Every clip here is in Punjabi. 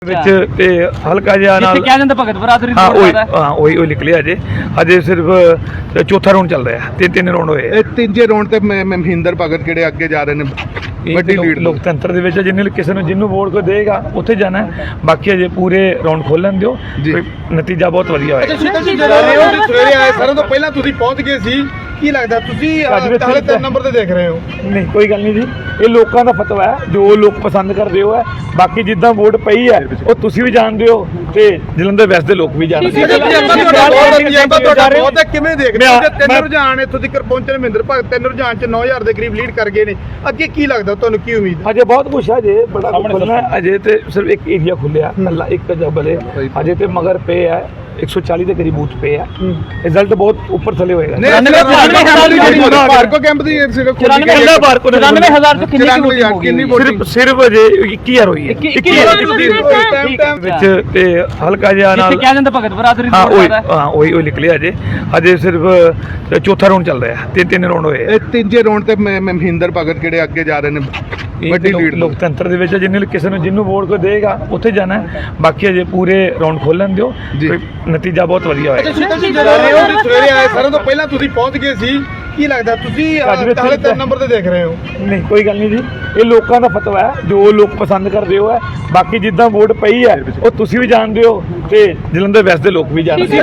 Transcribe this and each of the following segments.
ਵਿੱਚ ਤੇ ਹਲਕਾ ਜਿਹਾ ਨਾਲ ਕਿਹਾ ਜਾਂਦਾ ਭਗਤ ਬਰਾਦਰੀ ਹਾਂ ਦਾ ਉਹੀ ਨਿਕਲਿਆ ਅਜੇ ਸਿਰਫ ਚੌਥਾ ਰਾਉਂਡ ਚੱਲ ਰਿਹਾ ਤਿੰਨ ਰਾਉਂਡ ਹੋਏ ਇਹ ਤੀਜੇ ਰਾਉਂਡ ਤੇ ਮਹਿੰਦਰ ਭਗਤ ਕਿਹੜੇ ਅੱਗੇ ਜਾ ਰਹੇ ਨੇ ਵੱਡੀ ਲੀਡ ਲੋਕਤੰਤਰ ਦੇ ਵਿੱਚ ਜਿੰਨੇ ਕਿਸੇ ਨੂੰ ਜਿਹਨੂੰ ਵੋਟ ਕੋ ਦੇਗਾ ਉੱਥੇ ਜਾਣਾ ਬਾਕੀ ਅਜੇ ਪੂਰੇ ਰਾਉਂਡ ਖੋਲਣ ਦਿਓ ਨਤੀਜਾ ਬਹੁਤ ਵਧੀਆ ਹੋਏਗਾ। ਸਵੇਰੇ ਆਏ ਸਾਰਿਆਂ ਤੋਂ ਪਹਿਲਾਂ ਤੁਸੀਂ ਪਹੁੰਚ ਗਏ ਸੀ ਕੀ ਲੱਗਦਾ ਤੁਸੀਂ ਹਾਲੇ 3 ਨੰਬਰ ਤੇ ਦੇਖ ਰਹੇ ਹੋ? ਨਹੀਂ ਕੋਈ ਗੱਲ ਨਹੀਂ ਜੀ, ਇਹ ਲੋਕਾਂ ਦਾ ਫਤਵਾ ਹੈ ਜੋ ਲੋਕ ਪਸੰਦ ਕਰਦੇ ਹੋ ਹੈ। ਬਾਕੀ ਜਿੱਦਾਂ ਵੋਟ ਪਈ ਹੈ ਉਹ ਤੁਸੀਂ ਵੀ ਜਾਣਦੇ ਹੋ ਤੇ ਜਲੰਧਰ ਵੈਸਟ ਦੇ ਲੋਕ ਵੀ ਜਾਣਦੇ ਬਹੁਤ ਕਿਵੇਂ ਦੇਖਦੇ ਹੋ? ਤਿੰਨ ਰੁਝਾਨ ਇੱਥੋਂ ਤੱਕ ਪਹੁੰਚੇ ਮਹਿੰਦਰ ਭਗਤ ਤਿੰਨ ਰੁਝਾਨ ਚ 9000 ਦੇ ਕਰੀਬ ਲੀਡ ਕਰ ਗਏ ਨੇ। ਅੱਗੇ ਕੀ ਲੱਗਦਾ ਤੁਹਾਨੂੰ, ਕੀ ਉਮੀਦ? ਅਜੇ ਬਹੁਤ ਕੁਛ ਹੈ, ਅਜੇ ਬੜਾ ਖੁੱਲਣਾ ਹੈ। ਅਜੇ ਤੇ ਸਿਰਫ ਇੱਕ ਏਰੀਆ ਖੁੱਲਿਆ ਅੱਲਾ ਇੱਕ ਜਬਲੇ ਅਜੇ ਤੇ ਮਗਰ ਪੇ ਹੈ 140 ਦੇ ਕਰੀਬ ਬੂਥ ਪੇ ਹੈ। ਰਿਜ਼ਲਟ ਬਹੁਤ ਉੱਪਰ ਥੱਲੇ ਹੋਏਗਾ। ਪਾਰਕੋ ਕੈਂਪ ਦੀ 94000 ਤੋਂ ਕਿੰਨੀ ਸਿਰਫ ਅਜੇ 21000 ਹੋਈ ਹੈ ਵਿੱਚ ਤੇ ਹਲਕਾ ਜਿਹਾ ਨਾਲ ਕਿਹਾ ਜਾਂਦਾ ਭਗਤ ਬਰਾਦਰੀ ਹਾਂ ਉਹੀ ਨਿਕਲਿਆ ਅਜੇ ਸਿਰਫ ਚੌਥਾ ਰਾਉਂਡ ਚੱਲ ਰਿਹਾ ਤਿੰਨ ਰਾਉਂਡ ਹੋਏ ਇਹ ਤੀਜੇ ਰਾਉਂਡ ਤੇ ਮਹਿੰਦਰ ਭਗਤ ਕਿਹੜੇ ਅੱਗੇ ਜਾ ਰਹੇ ਨੇ ਵੱਡੀ ਲੀਡ ਲੋਕਤੰਤਰ ਦੇ ਵਿੱਚ ਜਿੰਨੇ ਕਿਸੇ ਨੂੰ ਜਿਹਨੂੰ ਵੋਟ ਕੋ ਦੇਗਾ ਉੱਥੇ ਜਾਣਾ ਬਾਕੀ ਅਜੇ ਪੂਰੇ ਰਾਉਂਡ ਖੋਲਣ ਦਿਓ ਨਤੀਜਾ ਬਹੁਤ ਵਧੀਆ ਹੋਏਗਾ। ਸਵੇਰੇ ਆਏ ਸਾਰਿਆਂ ਤੋਂ ਪਹਿਲਾਂ ਤੁਸੀਂ ਪਹੁੰਚ ਗਏ ਸੀ ਕੀ ਲੱਗਦਾ ਤੁਸੀਂ ਹਾਲੇ 3 ਨੰਬਰ ਤੇ ਦੇਖ ਰਹੇ ਹੋ? ਨਹੀਂ ਕੋਈ ਗੱਲ ਨਹੀਂ ਜੀ, ਇਹ ਲੋਕਾਂ ਦਾ ਫਤਵਾ ਹੈ ਜੋ ਲੋਕ ਪਸੰਦ ਕਰਦੇ ਹੋ ਹੈ। ਬਾਕੀ ਜਿੱਦਾਂ ਵੋਟ ਪਈ ਹੈ ਉਹ ਤੁਸੀਂ ਵੀ ਜਾਣਦੇ ਹੋ ਤੇ ਜਲੰਧਰ ਵੈਸਟ ਦੇ ਲੋਕ ਵੀ ਜਾਣਦੇ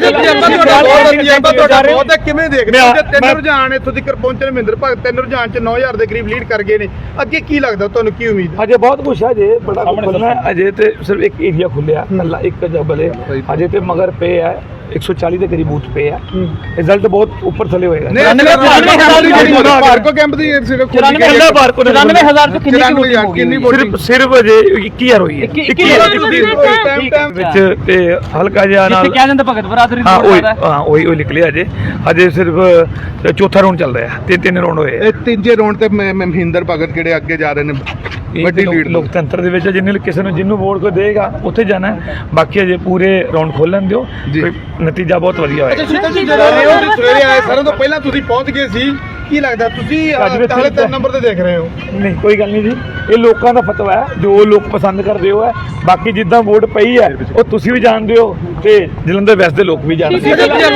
ਹੋ। ਕਿਵੇਂ ਦੇਖਦੇ ਹੋ? ਤਿੰਨ ਰੁਝਾਨ ਇੱਥੋਂ ਤੱਕ ਪਹੁੰਚੇ ਮਹਿੰਦਰ ਭਗਤ ਤਿੰਨ ਰੁਝਾਨ ਚ 9000 ਦੇ ਕਰੀਬ ਲੀਡ ਕਰ ਗਏ ਨੇ। ਅੱਗੇ ਕੀ ਲੱਗਦਾ ਤੁਹਾਨੂੰ, ਕੀ ਉਮੀਦ? ਅਜੇ ਬਹੁਤ ਕੁਛ ਹੈ, ਅਜੇ ਬੜਾ ਖੁੱਲਣਾ ਹੈ। ਅਜੇ ਤੇ ਸਿਰਫ ਇੱਕ ਏਰੀਆ ਖੁੱਲਿਆ ਅੱਲਾ ਇੱਕ ਜਬਲੇ ਅਜੇ ਤੇ ਮਗਰ ਪੇ ਹੈ 140 ਦੇ ਕਰੀਬ ਬੂਥ ਪੇ ਹੈ। ਰਿਜ਼ਲਟ ਬਹੁਤ ਉੱਪਰ ਥੱਲੇ ਹੋਏਗਾ। ਪਾਰਕੋ ਕੈਂਪ ਦੀ 94000 ਤੋਂ ਕਿੰਨੀ ਸਿਰਫ ਅਜੇ 21000 ਹੋਈ ਹੈ ਵਿੱਚ ਤੇ ਹਲਕਾ ਜਿਹਾ ਨਾਲ ਕਿਹਾ ਜਾਂਦਾ ਭਗਤ ਬਰਾਦਰੀ ਹਾਂ ਉਹੀ ਨਿਕਲਿਆ ਅਜੇ ਸਿਰਫ ਚੌਥਾ ਰਾਉਂਡ ਚੱਲ ਰਿਹਾ ਤਿੰਨ ਰਾਉਂਡ ਹੋਏ ਇਹ ਤੀਜੇ ਰਾਉਂਡ ਤੇ ਮਹਿੰਦਰ ਭਗਤ ਕਿਹੜੇ ਅੱਗੇ ਜਾ ਰਹੇ ਨੇ ਵੱਡੀ ਲੀਡ ਲੋਕਤੰਤਰ ਦੇ ਵਿੱਚ ਜਿੰਨੇ ਕਿਸੇ ਨੂੰ ਜਿਹਨੂੰ ਵੋਟ ਕੋ ਦੇਗਾ ਉੱਥੇ ਜਾਣਾ ਬਾਕੀ ਅਜੇ ਪੂਰੇ ਰਾਉਂਡ ਖੋਲਣ ਦਿਓ ਨਤੀਜਾ ਬਹੁਤ ਵਧੀਆ ਹੋਏਗਾ। ਸਵੇਰੇ ਆਏ ਸਾਰਿਆਂ ਤੋਂ ਪਹਿਲਾਂ ਤੁਸੀਂ ਪਹੁੰਚ ਗਏ ਸੀ ਕੀ ਲੱਗਦਾ ਤੁਸੀਂ ਹਾਲੇ 3 ਨੰਬਰ ਤੇ ਦੇਖ ਰਹੇ ਹੋ? ਨਹੀਂ ਕੋਈ ਗੱਲ ਨਹੀਂ ਜੀ, ਇਹ ਲੋਕਾਂ ਦਾ ਫਤਵਾ ਹੈ ਜੋ ਲੋਕ ਪਸੰਦ ਕਰਦੇ ਹੋ ਹੈ। ਬਾਕੀ ਜਿੱਦਾਂ ਵੋਟ ਪਈ ਹੈ ਉਹ ਤੁਸੀਂ ਵੀ ਜਾਣਦੇ ਹੋ ਤੇ ਜਲੰਧਰ ਵੈਸਟ ਦੇ ਲੋਕ ਵੀ ਜਾਣਦੇ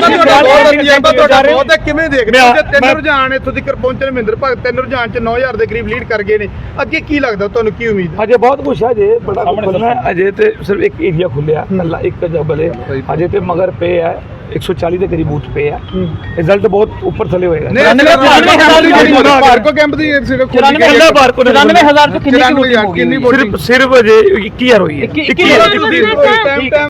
ਹੋ। ਕਿਵੇਂ ਦੇਖਦੇ ਹੋ? ਤਿੰਨ ਰੁਝਾਨ ਇੱਥੋਂ ਤੱਕ ਪਹੁੰਚੇ ਮਹਿੰਦਰ ਭਗਤ ਤਿੰਨ ਰੁਝਾਨ ਚ 9000 ਦੇ ਕਰੀਬ ਲੀਡ ਕਰ ਗਏ ਨੇ। ਅੱਗੇ ਕੀ ਲੱਗਦਾ ਤੁਹਾਨੂੰ, ਕੀ ਉਮੀਦ? ਅਜੇ ਬਹੁਤ ਕੁਛ ਹੈ, ਅਜੇ ਬੜਾ ਖੁੱਲਣਾ ਹੈ। ਅਜੇ ਤੇ ਸਿਰਫ ਇੱਕ ਏਰੀਆ ਖੁੱਲਿਆ ਅੱਲਾ ਇੱਕ ਜਬਲੇ ਅਜੇ ਤੇ ਮਗਰ ਪੇ ਹੈ 140 ਦੇ ਕਰੀਬ ਬੂਥ ਪੇ ਹੈ। ਰਿਜ਼ਲਟ ਬਹੁਤ ਉੱਪਰ ਥੱਲੇ ਹੋਏਗਾ। ਪਾਰਕੋ ਕੈਂਪ ਦੀ 94000 ਤੋਂ ਕਿੰਨੀ ਸਿਰਫ ਅਜੇ 21000 ਹੋਈ ਹੈ।